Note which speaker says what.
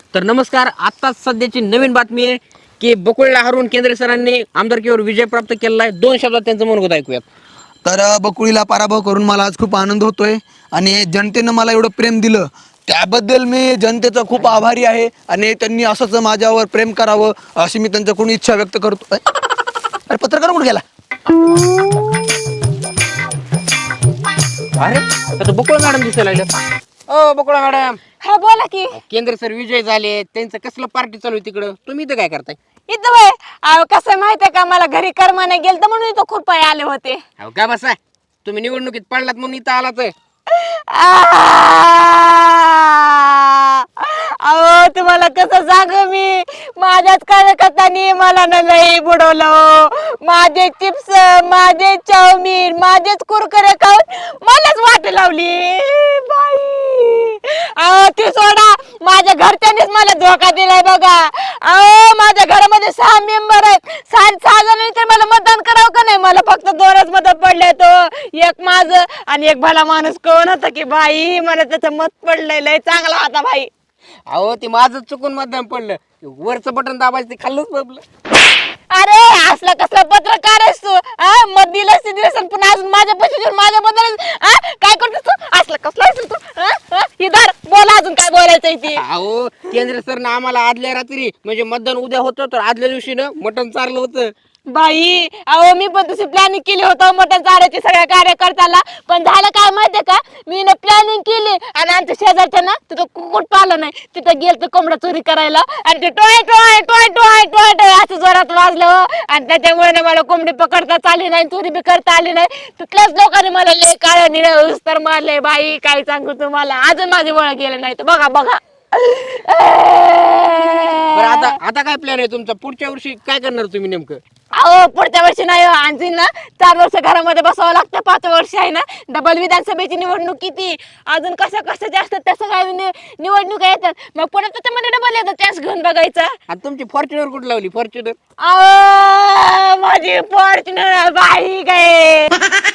Speaker 1: तर नमस्कार, आत्ताच सध्याची नवीन बातमी आहे की बकुळला हरवून केंद्रे सरांनी आमदारकीवर विजय प्राप्त केलेला आहे. 2 शब्दात त्यांचं मनोगत ऐकूयात.
Speaker 2: तर बकुळीला पराभव करून मला आज खूप आनंद होतोय आणि जनतेनं मला एवढं प्रेम दिलं त्याबद्दल मी जनतेचा खूप आभारी आहे आणि त्यांनी असंच माझ्यावर प्रेम करावं अशी मी त्यांच्याकडून इच्छा व्यक्त करतो. अरे पत्रकार कुठे गेला?
Speaker 1: अरे आता बकुळ मॅडम दिसायला लागल्या. ओ बकुळ मॅडम,
Speaker 3: हा बोला की.
Speaker 1: केंद्र सर विजय झाले, त्यांचं कसलं पार्टी चालू आहे तिकडं, तुम्ही इथं काय करताय?
Speaker 3: इथं वय कसं माहितीये का, मला घरी कर्माने गेलत म्हणून इथं खुरपाय आले होते.
Speaker 1: अहो का बसा, तुम्ही निवडणुकीत पडलात म्हणून इथं आलाच आहे.
Speaker 3: अहो तुम्हाला कसं सांगू मी, माझ्याच कार्यकर्त्यांनी मला न लई बुडवलं. माझे चिप्स, माझे चाऊमिन, माझेच कुरकुरे खाऊन मलाच वाट लावली बाई. अहो ते सोडा, माझ्या घरच्यांनीच मला धोका दिलाय बघा. अहो माझ्या घरामध्ये 6 मेंबर आहेत, 6 जणांनी तर मला मतदान करावं का नाही? मला फक्त 2च मत पडले, तो एक माझं आणि एक भला माणूस कोण होता की बाई, मला त्याचं मत पडलंय, लय चांगला होता बाई.
Speaker 1: अहो ते माझं चुकून मतदान पडलं, वरचं बटन दाबायचं ते खाल्लंच पडलं.
Speaker 3: अरे असला कसला पत्रकार आहेस तू? मत दिलंस पण अजून माझ्या पैसे माझ्याबद्दल काय करतोस तू? असला कसला आहेस तू? इधर बोला, अजून काय बोलायचंय ते.
Speaker 1: अहो केंद्र सरनं आम्हाला आदल्या रात्री म्हणजे मतदान उद्या होतं तर आदल्या दिवशी ना मटण चारलं होतं.
Speaker 3: बाई अहो मी पण तशी प्लॅनिंग केली होतं मटण चारायची सगळ्या कार्यकर्त्याला, पण झालं काय माहितीये का, मी ना प्लॅनिंग केली आणि आमच्या शेजारच्या ना तिथं कुकुट पालं नाही, तिथं गेलं कोंबडा चोरी करायला आणि ते टोय टोय टोय टोय टोय टोय असं जोरात वाजलं आणि त्याच्यामुळे ना मला कोंबडी पकडता आली नाही, चोरी बी करता आली नाही. तिथल्याच लोकांनी मला लय काळ्या निळ्या उस्तर मारले बाई, काय सांगू तुम्हाला, अजून माझी ओळख गेलं नाही तर बघा बघा.
Speaker 1: बरं आता काय प्लॅन आहे तुमचा? पुढच्या वर्षी काय करणार तुम्ही नेमकं?
Speaker 3: अहो पुढच्या वर्षी नाही हो, आणखी ना 4 वर्ष घरामध्ये बसावं लागतं, 5 वर्ष आहे ना डबल विधानसभेची निवडणूक किती, अजून कशाच्या असतात त्या सगळ्या निवडणुका येतात, मग पुढे त्याच्यामध्ये डबल येतात, त्याच घेऊन बघायचा.
Speaker 1: आणि तुमची फॉर्च्युनर कुठं लावली? फॉर्च्युनर
Speaker 3: अहो माझी फॉर्च्युनर बाई काय